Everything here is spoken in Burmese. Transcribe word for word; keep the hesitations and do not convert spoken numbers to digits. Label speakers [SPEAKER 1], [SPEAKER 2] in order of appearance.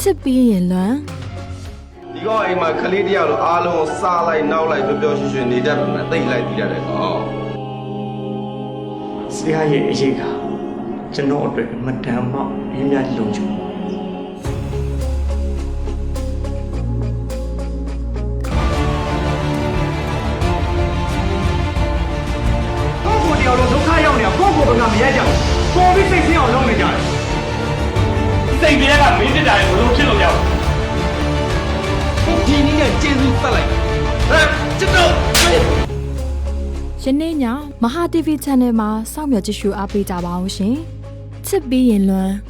[SPEAKER 1] စ်ပြီးရင်လွမ်း
[SPEAKER 2] ဒီကောင်အိမ်မှာခလေးတယောက်လိုအားလုံးကိုစားလိုက်နောက်လိုက်ပျော်ပျော်ရွှင်ရွှင်နေတတ်တယ်သိလိုက်တည်ရတယ်ကောင်
[SPEAKER 3] ဆရာရဲ့အရေးကကျွန်တော်အတွက်အမတန်မှအင်းများလုံးချူကိုကိုတယောက်လုံးဒုက္ခရောက်နေတာကိုကိုဘကမရကြဘူးပေါ်ပြီးစိတ်ဆင်းအောင်လုပ်နေကြတယ်စိတ်တွေကမင်းတက်တာကိုဘလို့ဖြစ်လို့ရောက်ဒီနေ့ကကျေးဇူးပတ်လိုက်ဟဲ့ကျွန်တော်
[SPEAKER 1] ယနေ့ညမဟာ တီဗီ Channel မှာစောင့်မျှော်ကြည့်ရှုအားပေးကြပါအောင်ရှင်ချစ်ပြီးရင်လွမ်း